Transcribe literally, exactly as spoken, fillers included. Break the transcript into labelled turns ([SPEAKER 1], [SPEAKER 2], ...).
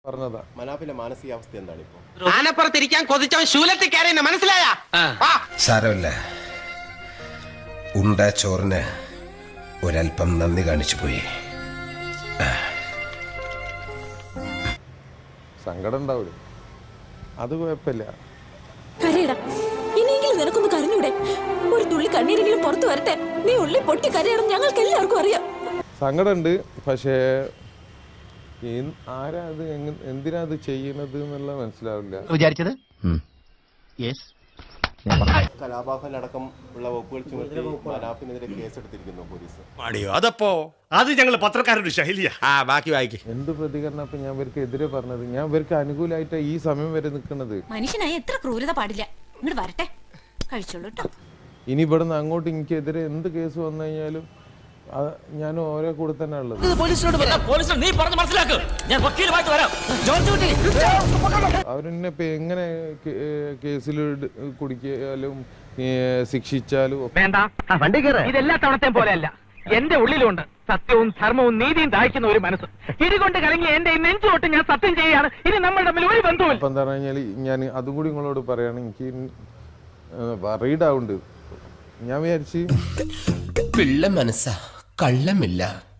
[SPEAKER 1] പറഞ്ഞതാ.
[SPEAKER 2] മനാഫിന്റെ മാനസികാവസ്ഥ എന്താണ് ഇപ്പൊ?
[SPEAKER 3] ആനപ്പുറത്തിരിക്കാൻ കൊതിച്ചവൻ ശൂലത്തിൽ കയറിയെന്ന് മനസ്സിലായ
[SPEAKER 4] സാരമല്ല, ഉണ്ട ചോറിന് ഒരൽപ്പം നന്ദി കാണിച്ചു പോയി.
[SPEAKER 1] സങ്കടം ഉണ്ടാവില്ല, അത് കുഴപ്പമില്ല.
[SPEAKER 5] കരയടാ, ഇനിയെങ്കിലും നിനക്കൊന്ന് കരഞ്ഞൂടെ? ഒരു തുള്ളി കണ്ണീരെങ്കിലും പുറത്തു വരട്ടെ. നീ ഉള്ളി പൊട്ടി കരയണം, ഞങ്ങൾക്ക് എല്ലാവർക്കും അറിയാം.
[SPEAKER 1] സങ്കടമുണ്ട്, പക്ഷേ ആരാ അത്, എന്തിനാ അത് ചെയ്യുന്നത് എന്നുള്ള മനസ്സിലാവില്ല.
[SPEAKER 6] വിചാരിച്ചത്
[SPEAKER 2] കലാപാഹനടക്കം ഉള്ള വകുപ്പുകൾ ചുമത്തി മനാഫിനെതിരെ കേസെടുത്തിരിക്കുന്നു പോലീസ്.
[SPEAKER 7] അതപ്പോ അത് ഞങ്ങൾ പത്രക്കാരുടെ ശൈലിയാ. ആ ബാക്കി വായിക്കും.
[SPEAKER 1] എന്ത് പ്രതികരണം ഇപ്പൊ ഞാൻ ഇവർക്ക് എതിരെ പറഞ്ഞത്? ഞാൻ ഇവർക്ക് അനുകൂലമായിട്ട് ഈ സമയം വരെ നിൽക്കുന്നത്.
[SPEAKER 5] മനുഷ്യനായി എത്ര ക്രൂരത പാടില്ല. ഇങ്ങോട്ട് വരട്ടെ, കഴിച്ചോളൂ കേട്ടോ.
[SPEAKER 1] ഇനി ഇവിടുന്ന് അങ്ങോട്ട് എനിക്കെതിരെ എന്ത് കേസ് വന്നു കഴിഞ്ഞാലും ഞാൻ ഓരോ കൂടെ തന്നെ ഉള്ളത്. അവരെന്നെ ഇപ്പൊ എങ്ങനെ കേസിൽ കുടിക്കാലും ശിക്ഷിച്ചാലും
[SPEAKER 6] ഇതെല്ലാ തവണത്തെയും പോലെയല്ല. എന്റെ ഉള്ളിലുണ്ട് സത്യവും ധർമ്മവും നീതിയും ദാഹിക്കുന്ന ഒരു മനസ്സ്. ഇതുകൊണ്ട് കലങ്ങി എന്റെ നെഞ്ചോട്ട് ഞാൻ സത്യം ചെയ്യുകയാണ്. ഇനി നമ്മൾ തമ്മിൽ ഒരു ബന്ധവും.
[SPEAKER 1] അപ്പൊ എന്താ പറഞ്ഞാൽ ഞാൻ അതും കൂടി നിങ്ങളോട് പറയാണ്, എനിക്ക് വറീഡ് ആവുന്നുണ്ട്. ഞാൻ വിചാരിച്ച്
[SPEAKER 4] പിള്ള മനസ്സാ, കള്ളമില്ല.